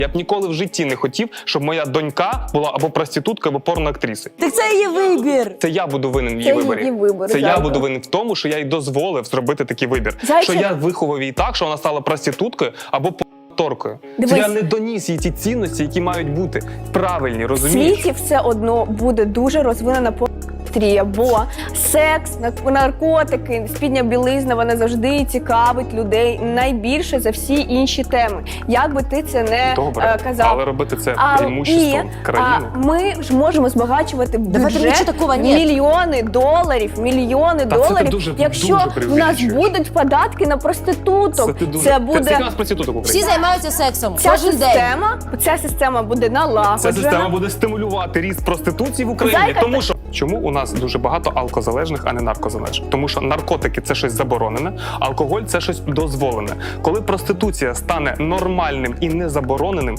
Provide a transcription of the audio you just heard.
Я б ніколи в житті не хотів, щоб моя донька була або проституткою, або порноактрисою. Так це її вибір. Це я буду винен в її Це виборі. її вибір, Це я Зайко. буду винен в тому, що я їй дозволив зробити такий вибір. Зайчик. Що я виховав її так, що вона стала проституткою або порноакторкою. Це Дивись. я не доніс їй ті цінності, які мають бути правильні, В розумієш? світі все одно буде дуже розвинена порноіндустрія, бо секс, наркотики, спідня білизна, вона завжди цікавить людей найбільше за всі інші теми. Як би ти це не Добре, казав. але робити це А, преимуществом країни. ми ж можемо збагачувати Давайте бюджет нічого такого нет. мільйони доларів, це ти дуже- якщо дуже в нас преувеличуєш. будуть податки на проституток. Ти дуже... Це Скільки у буде нас проституток в Всі Україні? займаються сексом ця кожен день. система буде налагоджена. Ця система буде стимулювати ріст проституції в Україні, Зайка, тому що чому у нас дуже багато алкозалежних, а не наркозалежних? Тому що наркотики це щось заборонене, алкоголь це щось дозволене. Коли проституція стане нормальним і незабороненим,